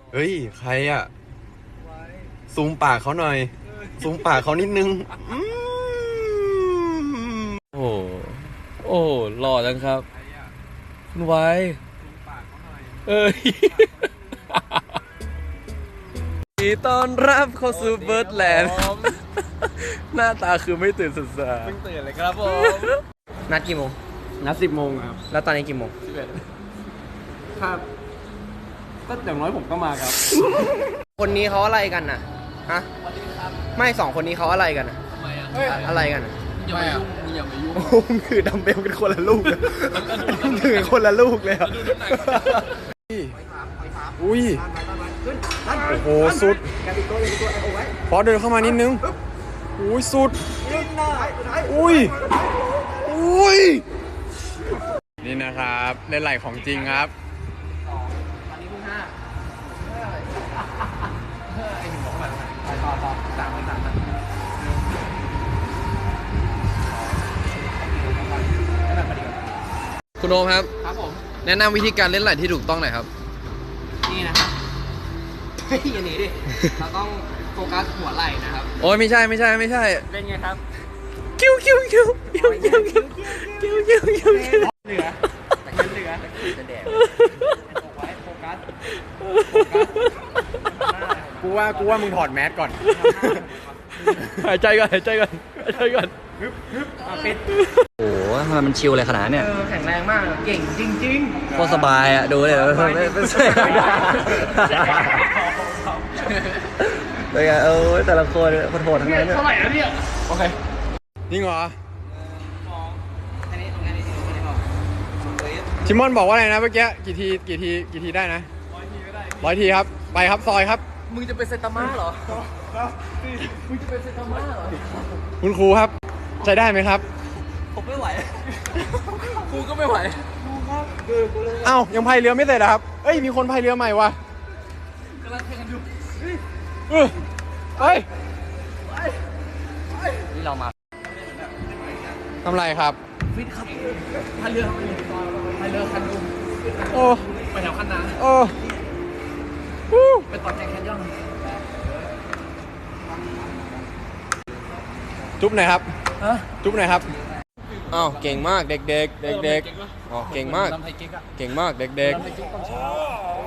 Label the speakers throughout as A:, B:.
A: เฮ้ยใครอ่ะซูมปากเขาหน่อยซูมปากเขานิดนึง
B: โอ้โอ้หล่อจังครับคุณไว้เอ้ยยินดีต้อนรับเข้าสู่เบิร์ดแลนด์หน้าตาคือไม่ตื่นสดใสเพิ่งตื่นเลยครับผมนัดกี่โมง
A: นัด10 โมงครับ
B: แล้วตอนนี้กี่โมง
A: 11ครับก็อย่างน้อยผมก็มาครับ
B: คนนี้เขาอะไรกันน่ะฮะไม่2 คนนี้เขาอะไรกันน่ะอะไรกันน่ะ
A: อย่ามายุ่ง
B: มึงคือดัมเบลกันคนละลูกเลยมึงถือคนละลูกเลย
A: อุ้ยโอ้โหสุดพอเดินเข้ามานิดนึงอุ้ยสุดอุ้ยอุ้ยนี่นะครับเล่นไหลของจริงครับ
B: ตอนนี้เพิ่ง5ไอ้หนึ่งบอกว่าต่อ3คุณโอมครับ
C: ครับผม
B: แนะนำวิธีการเล่นไหลที่ถูกต้องหน่อยครับ
C: นี่นะครับเฮ้ยอย่าหนีดิเราต้องโฟกัสหัวไหล่นะครับ
B: โอ้ยไม่ใช่
C: เล่นไงครับ
B: คิวเหลือ
C: แต่แค่เหลือจะแดกไว้โฟกัส
A: กูว่ามึงถอดแมสก่อน
B: หายใจก่อน
C: ปิด
D: โอ้โหทำไมมันชิลเลยขนาดเนี่ย
C: แข็งแรงมากเก่งจริง
D: โคตรสบายอ่ะ ดูเลยไม่ใช่เป็นไงแต่ละคนโหดทั้งนั้นเนี่ย
C: เท่าไหร่แล้วเนี่ย
A: โอเคนี่เหรอชิมอนบอกว่าอะไรนะเมื่อกี้กี่ทีได้นะ100 ทีครับไปครับซอยครับ
B: มึงจะเป็นเซตาม่าเหรอมึงจะเป็นเซตาม่าเหรอ
A: คุณครูครับใช้ได้ไหมครับ
C: ผมไม่ไหว
B: ครูก็ไม่ไหว
A: เอ้ายังพายเรือไม่เสร็จครับเอ้ยมีคนพายเรือใหม่ว่ะ
C: กำลังแข่งกันอยู่
A: ไป
D: นี่เรามา
A: ทำไรครับ
C: ฟิตครับพายเรือคันดู
A: โอ้
C: ไปแถวคันนา
A: โอ้
C: ไปต่อแข่งแคนยอน
A: จุ๊บหน่อยครับจุ๊บหน่อยครับ
B: อ้าวเก่งมากเด็กอ๋อเก่งมากเด็ก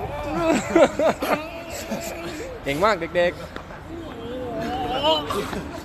B: เก่งมากเด็ก